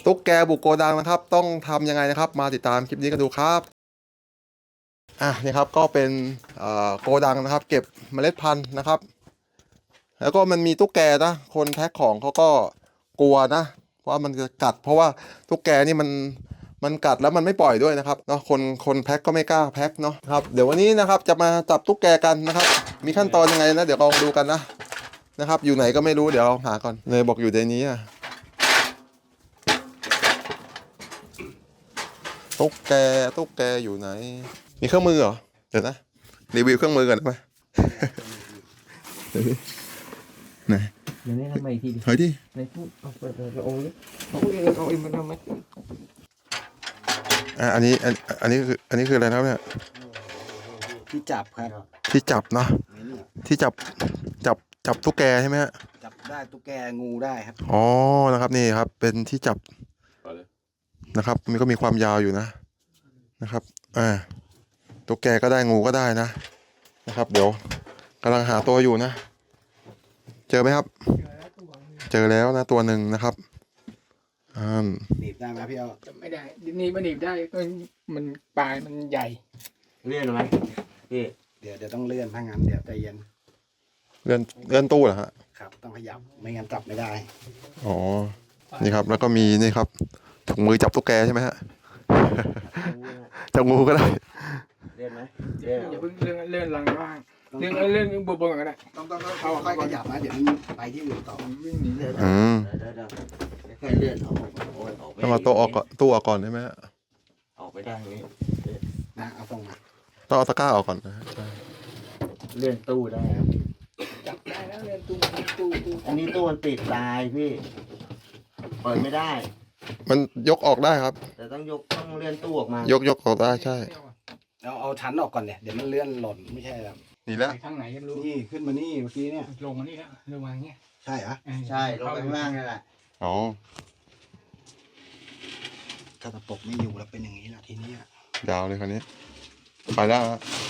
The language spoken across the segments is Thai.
ตุ๊กแกบุกโกดังนะครับต้องทำยังไงนะครับมาติดตามคลิปนี้กันดูครับนี่ครับก็เป็นโกดังนะครับเก็บเมล็ดพันธุ์นะครับแล้วก็มันมีตุ๊กแกนะคนแพ็คของเขาก็กลัวนะว่ามันจะกัดเพราะว่าตุ๊กแกนี่มันกัดแล้วมันไม่ปล่อยด้วยนะครับเนาะคนแพ็คก็ไม่กล้าแพ็คเนาะครับเดี๋ยววันนี้นะครับจะมาจับตุ๊กแกกันนะครับมีขั้นตอนยังไงนะเดี๋ยวลองดูกันนะครับอยู่ไหนก็ไม่รู้เดี๋ยวเราหาก่อนเนยบอกอยู่ในนี้ตุ๊กแกอยู่ไหนมีเครื่องมือเหรอเดี๋ยวนะรีวิวเครื่องมือก่อนได้ไหมเดี๋ยวนี้ไหนเดี๋ยวนี้ทำไมทีดิถอยดิในพูดเอาไปเอาเองมันทำไหมอันนี้คืออะไรนะครับเนี่ยที่จับครับที่จับเนาะที่จับตุ๊กแกใช่ไหมฮะจับได้ตุ๊กแกงูได้ครับอ๋อนะครับนี่ครับเป็นที่จับนะครับมันก็มีความยาวอยู่นะครับตุ๊กแกก็ได้งูก็ได้นะครับเดี๋ยวกำลังหาตัวอยู่นะเจอไหมครับเจอแล้วนะตัวหนึ่งนะครับหนีบได้ไหมพี่เอาไม่ได้นี่มันหนีบได้ก็มันปลายมันใหญ่เลื่อนไหมพี่เดี๋ยวต้องเลื่อนถ้างั้นเดี๋ยวใจเย็นเลื่อนตู้เหรอฮะครับต้องขยับไม่งั้นจับไม่ได้อ๋อนี่ครับแล้วก็มีนี่ครับถุงมือจับตุ๊กแกใช่ไหมฮะจับงูก็ได้เลื่อนไหมอย่าเพิ่งเลื่อนลังว่างเลื่อนบนก็ได้ต้องค่อยขยับนะเดี๋ยวมันไปที่อื่นต่อวิ่งหนีเลยค่อยเลื่อนออกต้องเอาตู้ออกก่อนใช่ไหมฮะออกไปได้นี้นะเอาตรงมาต้องเอาตะกร้าออกก่อนนะใช่เลื่อนตู้ได้จับได้แล้วเลื่อนตู้อันนี้ตู้มันปิดตายพี่เปิดไม่ได้มันยกออกได้ครับแต่ต้องเลื่อนตู้ออกมายกออกได้ใช่เอาชั้นออกก่อนเนี่ยเดี๋ยวมันเลื่อนหล่นไม่ใช่ครับนี่แล้วข้างไหนยังรู้นี่ขึ้นมานี่เมื่อกี้เนี่ยลงมานี่แล้วลงมาเงี้ยใช่เหรอใช่ลงไปข้างล่างนี่แหละอ๋อถ้าตะปบไม่อยู่แล้วเป็นอย่างนี้แหละทีนี้ยาวเลยคราวนี้ไปแล้ว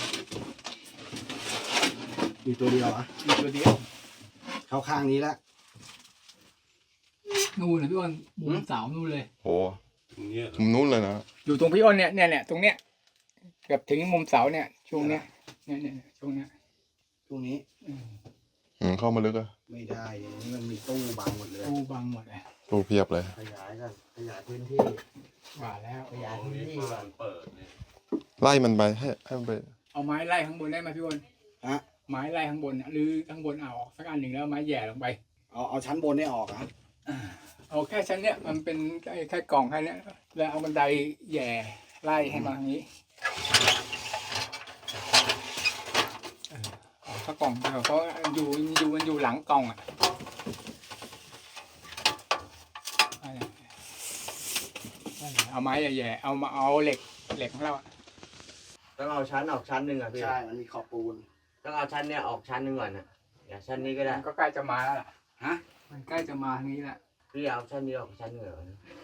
มีตัวเดียวมีตัวเดียวเข้าข้างนี้แล้วนู่นเลยพี่อ้นมุมเสานู่นเลยโอ้มุมนู้นเลยนะอยู่ตรงพี่อ้นเนี่ยตรงเนี้ยเกือบถึงมุมเสาเนี่ยช่วงเนี้ยเนี่ยช่วงเนี้ยตรงนี้เข้ามาลึกไม่ได้นี่มันมีตู้บังหมดเลยตู้บังหมดเลยตู้เพียบเลยขยายกันขยายพื้นที่ว่าแล้วขยายพื้นที่เปิดไล่มันไปให้มันไปเอาไม้ไล่ข้างบนได้ไหมพี่อ้นไม้ไล่ข้างบนหรือข้างบนเอาออกสักอันหนึ่งแล้วไม้แย่ลงไปเอาชั้นบนได้ออกเอาแค่ชั้นเนี้ยมันเป็นแค่กล่องแค่นี้แล้วเอาบันไดแย่ไล่ให้มาทางนี้ถ้ากล่องเขาอยู่หลังกล่องเอาไม้แย่เอาเหล็กของเราต้องเอาชั้นออกชั้นหนึ่งพี่ใช่มันมีขอบปูนต้องเอาชั้นเนี้ยออกชั้นหนึ่งก่อนอย่าชั้นนี้ก็ได้ก็ใกล้จะมาแล้วล่ะมันใกล้จะมาทางนี้แหละพี่เอาชั้นนี้ออกชั้นหนึ่งก่อน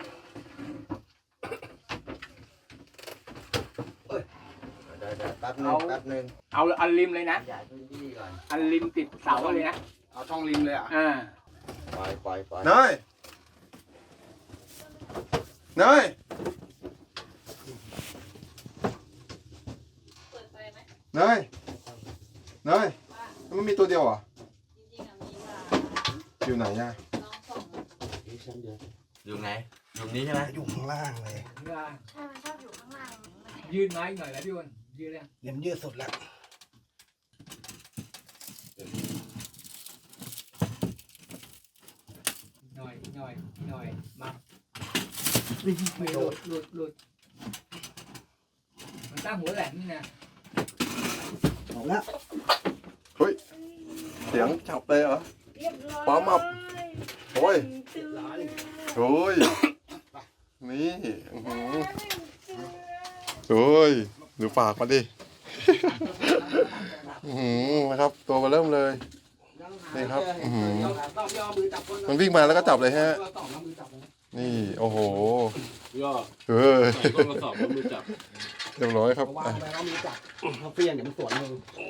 แป๊บนึงเอาอันริมเลยนะขยายพื้นที่ก่อนอันริมติดเสาเลยนะเอาช่องริมเลยปล่อยเนยมันมีตัวเดียวอ่ะอยู่ไหนอยู่ไหนอยู่นี้ใช่ไหมอยู่ข้างล่างเลยข้างล่างใช่มันชอบอยู่ข้างล่างยืดไม้หน่อยแล้วพี่วันยืดเลยเดี๋ยวยืดสุดแล้วหน่อยมาไม่หลุดมันตั้งหัวแหลมนี่นะเอาละเฮ้ยเสียงจับเลยเหรอป้ามับโอ้ยนี่โอ้ยดูปากมาดินะครับตัวมาเริ่มเลยนี่ครับมันวิ่งมาแล้วก็จับเลยฮะนี่โอ้โหก็มาสอบมือจับเรียบร้อยครับเขามือจับเขาเฟี้ยงเดี๋ยวมันสวนมือ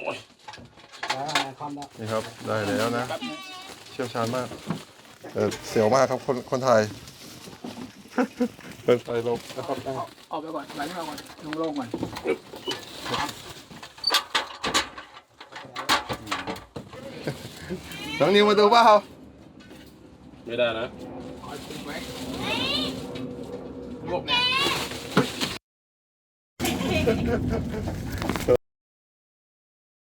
นี่ครับได้แล้วนะเชี่ยวชาญมากเสียวมากครับคนไทยเปิดไฟลงนะครับออกไปก่อนไว้ข้างนอกก่อนโล่งๆก่อนน้องนิวมาดูเปล่าไม่ได้นะคอยปิดไว้รวบนะ